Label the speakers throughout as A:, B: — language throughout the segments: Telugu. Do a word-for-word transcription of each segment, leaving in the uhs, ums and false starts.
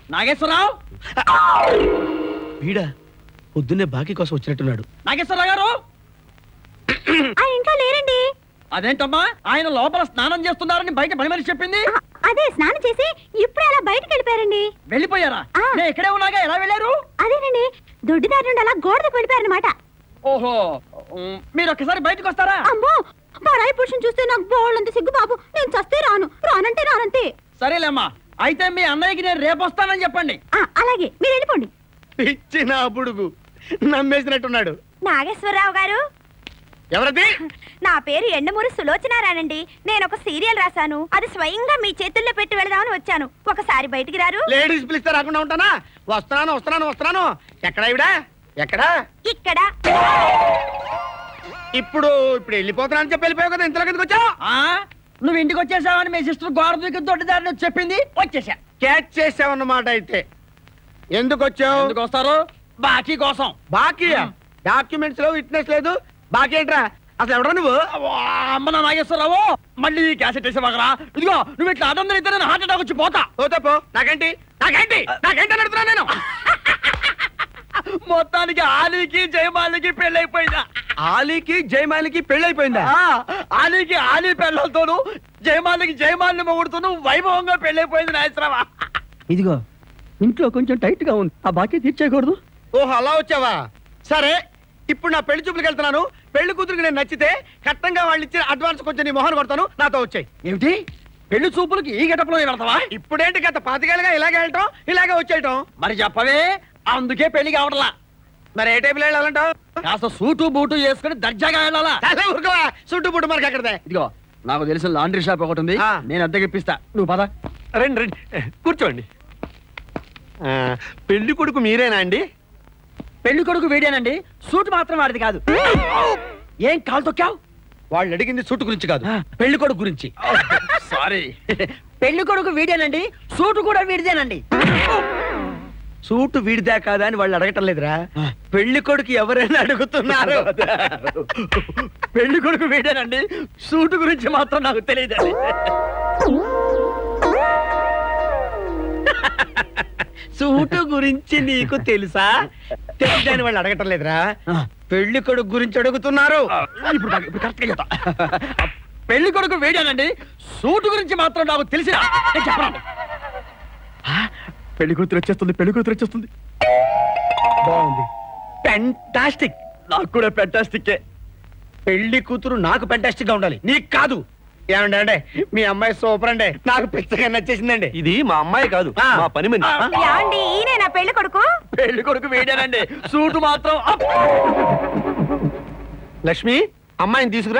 A: నాగేశ్వరరావు
B: వీడా పొద్దున్నే బాకీ కోసం వచ్చినట్టున్నాడు.
A: నాగేశ్వరరావు గారు
C: ఇంకా లేరండి.
A: అదేంటమ్మా ఆయన లోపల స్నానం చేస్తున్నారని బయట పని మనిషి చెప్పింది.
C: అదే స్నానం చేసి ఇప్పుడు అలా బయటకు వెళ్ళిపోయారండి.
A: వెళ్ళిపోయారా? నేను ఇక్కడే ఉన్నాగా, ఎలా వెళ్ళారు?
C: అదేనండి దొడ్డిదారి నుండి అలా గోడకు వెళ్ళిపోయారనమాట.
A: ఓహో, ఉమ్, మీరు ఒక్కసారి బయటకు వస్తారా?
C: అమ్మో పరాయి పురుషుని చూస్తే నాకు బోళ్ళంత సిగ్గు బాబు. నేను చస్తే రాను, రానంటే రానంతే.
A: సరేలేమ్మా, అయితే మీ అన్నయ్యకి నేను రేపు వస్తానని చెప్పండి.
C: అలాగే మీరు వెళ్ళిపోండి.
B: ఇచ్చిన బుడుగు నమ్మేసినట్టున్నాడు.
C: నాగేశ్వరరావు గారు,
B: ఎవరది?
C: నా పేరు ఎండమూరి సులోచనారానండి. నేను ఒక సీరియల్ రాశాను, అది స్వయంగా మీ చేతుల్లో పెట్టి వెళదామని వచ్చాను. ఒకసారి బయటికి రారు?
B: లేడీస్ పిలిస్తే రాకుండా ఉంటానా? వస్తున్నాను వస్తున్నాను వస్తున్నాను. ఎక్కడా ఇవిడా? ఎక్కడా?
C: ఇక్కడ.
B: ఇప్పుడు ఇప్పుడు వెళ్ళిపోతున్నాను చెప్పి వెళ్ళిపోయావు కదా, ఇంతలో కిందకి వచ్చావు.
A: ఆ నువ్వు ఇంటికి వచ్చేసావని మీ సిస్టర్ గోడ దూకి దొడ్డిదారిని వచ్చి చెప్పింది, వచ్చేసా.
B: క్యాచ్ చేసావన్నమాట. అయితే ఎందుకు వచ్చావు?
A: ఎందుకు వస్తారు? బాకీ కోసం.
B: బాకీ? డాక్యుమెంట్స్ లో విట్నెస్ లేదు, బాకీ ఏంట్రా? అసలు ఎవడా నువ్వు?
A: అమ్మ నా నాగేశ్వరరావు, మళ్ళీ క్యాసెట్ వేసేవాగరా? ఇదిగో నువ్వు ఇట్లా అదందరూ ఇద్దరు హార్ట్ అటాక్ వచ్చి పోతా.
B: పోతే పో, నాకేంటి నాకేంటి నాకేంటి అని అడుగుతున్నా నేను.
A: మొత్తానికి ఆలీకి జయమాలికి పెళ్ళైపోయిందా?
B: ఆలీకి జయమాలికి పెళ్ళైపోయిందా?
A: ఆలీకి ఆలీ పెళ్ళతోను, జయమాలికి జయమాలిని మొగుడుతూను వైభవంగా పెళ్ళైపోయింది నాగేశ్వరరావా. ఇదిగో ఇంట్లో కొంచెం టైట్ గా ఉంది, ఆ బాకీ తీర్చేయకూడదు.
B: ఓహో అలా వచ్చావా? సరే, ఇప్పుడు నా పెళ్లి చూపులకు వెళ్తున్నాను. పెళ్లి కూతురికి నేను నచ్చితే కట్టంగా వాళ్ళు ఇచ్చిన అడ్వాన్స్ కొంచెం నీ మొహన్ కొడతాను, నాతో వచ్చాయి.
A: ఏమిటి పెళ్లి చూపులకి ఈ గెటప్లో వెళ్తావా?
B: ఇప్పుడేంటి గత పాతికేళ్ళగా ఇలాగే వెళ్ళటం, ఇలాగే వచ్చేయటం.
A: మరి చెప్పవే, అందుకే పెళ్లి కావడలా.
B: మరి ఏ టైపులో వెళ్ళాలంటావు?
A: కాస్త సూటు బూటు వేసుకుని దర్జాగా వెళ్ళాలా?
B: ఊరుకోవా, చుట్టూ పుట్టు మనకి అక్కడదే.
A: ఇదిగో నాకు తెలిసిన లాండ్రీ షాప్ ఒకటి ఉంది,
B: ఆ.
A: నేను అద్దెకి ఇప్పిస్తా, నువ్వు పద.
B: రండి రండి కూర్చోండి. ఆ, పెళ్లి కొడుకు మీరేనా అండి?
A: పెళ్లి కొడుకు వీడేనండి, సూట్ మాత్రం వాడిది కాదు. ఏం కాలు తొక్కావు?
B: వాళ్ళు అడిగింది సూటు గురించి కాదు,
A: ఆ.
B: పెళ్లి కొడుకు గురించి.
A: సారీ, పెళ్లి కొడుకు వీడేనండి, సూటు కూడా వీడిదేనండి.
B: సూటు వీడిదా కాదా అని వాళ్ళు అడగటం లేదురా, పెళ్లి కొడుకు ఎవరైనా అడుగుతున్నారు.
A: పెళ్లి కొడుకు వీడేనండి, సూటు గురించి మాత్రం నాకు తెలియదండి.
B: సూటు గురించి నీకు తెలుసా? తెలుసా అని వాళ్ళు అడగటం లేదురా, పెళ్లి కొడుకు గురించి అడుగుతున్నారు.
A: ఇప్పుడు నాకు- ఇప్పుడు కరెక్ట్గా చెప్తా. పెళ్లి కొడుకు వీడేనండి, సూటు గురించి మాత్రం నాకు తెలిసిన చెప్పరాను. పెళ్లి కూతురు వచ్చేస్తుంది, పెళ్లి కూతురు వచ్చేస్తుంది.
B: బాగుంది, ఫెంటాస్టిక్.
A: నాకు కూడా ఫెంటాస్టిక్కే.
B: పెళ్లి కూతురు నాకు ఫెంటాస్టిక్ గా ఉండాలి, నీకు కాదు. ఏమండి అంటే మీ అమ్మాయి సూపర్ అండి, నాకు పిచ్చగా నచ్చేసిందండి.
D: ఇది మా అమ్మాయి కాదు, మా పని మనిషి.
C: ఏమండి ఈయన నా పెళ్లి కొడుకు?
A: పెళ్లి కొడుకు వీడేనండి, సూటు మాత్రం అప్.
B: లక్ష్మి, అమ్మాయిని తీసుకురా,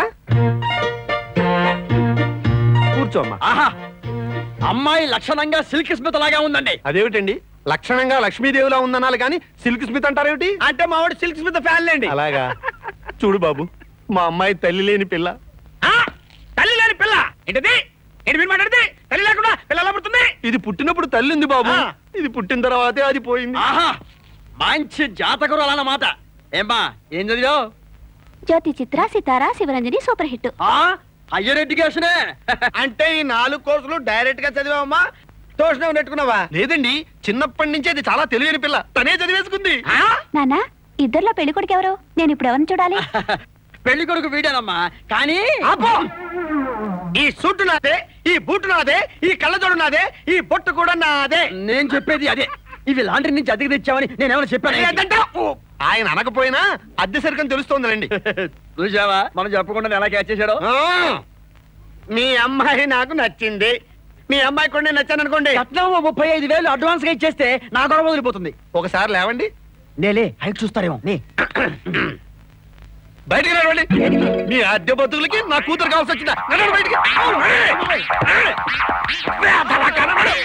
B: కూర్చో అమ్మా.
A: ఆహా, అమ్మాయి లక్షణంగా సిల్క్ స్మిత్ లాగా ఉందండి.
D: అదేమిటండి, లక్షణంగా లక్ష్మీదేవిలా ఉందనాలి కానీ సిల్క్ స్మిత్ అంటారేమిటి?
B: అంటే మా వాడు సిల్క్ స్మిత్ ఫ్యాన్ లేండి.
D: అలాగా? చూడు బాబు, మా అమ్మాయి తల్లి లేని పిల్ల.
B: ఆ, తల్లి లేని పిల్ల ఏంటిది? ఏంటి మీరు మాట్లాడితే? తల్లి లేకుండా పిల్ల ఎలా పుడుతుంది?
D: ఇది పుట్టినప్పుడు తల్లి ఉంది బాబు,
B: ఆ.
D: ఇది పుట్టిన తర్వాతే అది పోయింది.
A: ఆహా, మంచి జాతకురు అన్నమాట. ఏమ్మా ఏం చదివావు?
C: Jyothi Chitra Sitara Sivaranjani super hit.
A: Higher ఎడ్యుకేషనే.
B: అంటే ఈ నాలుగు కోర్సులు డైరెక్ట్ గా చదివామా, ట్యూషన్ నెట్టుకున్నావా?
D: లేదండి, చిన్నప్పటి నుంచి అది చాలా తెలియని పిల్ల, తనే చదివేసుకుంది.
B: ఆ?
C: నానా ఇద్దర్లో పెళ్లి కొడుకు ఎవరు? నేను ఇప్పుడు ఎవరిని చూడాలి?
A: పెళ్లి కొడుకు వీడేనమ్మా, కానీ
B: ఆపో! ఈ సూటు నాదే, ఈ బూటు నాదే, ఈ కళ్ళజోడు నాదే, ఈ బొట్టు కూడా నాదే.
A: నేను చెప్పేది అదే. ఇవి లాండ్రీ నుంచి అద్దెకి తెచ్చావని నేనేమైనా చెప్పాను?
B: ఏంటంటావ్?
D: ఆయన అనకపోయినా అద్దె సరికని తెలుస్తోందిలేండి.
A: చూసావా మనం చెప్పకుండా ఎలా క్యాచ్ చేశాడో.
B: ఆ, మీ అమ్మాయి నాకు నచ్చింది, మీ అమ్మాయి కూడా నేను నచ్చాను అనుకోండి.
A: కట్నం ఓ ముప్పై ఐదు వేలు అడ్వాన్స్ గా ఇచ్చేస్తే నా గొడవ వదిలిపోతుంది.
D: ఒకసారి లేవండి,
A: నేలే హైట్ చూస్తారేమో. నే
D: బయటికి రావండి. మీ అద్దె బతుకులకి నా కూతురు కావాల్సి వచ్చిందా? నడవండి బయటికి.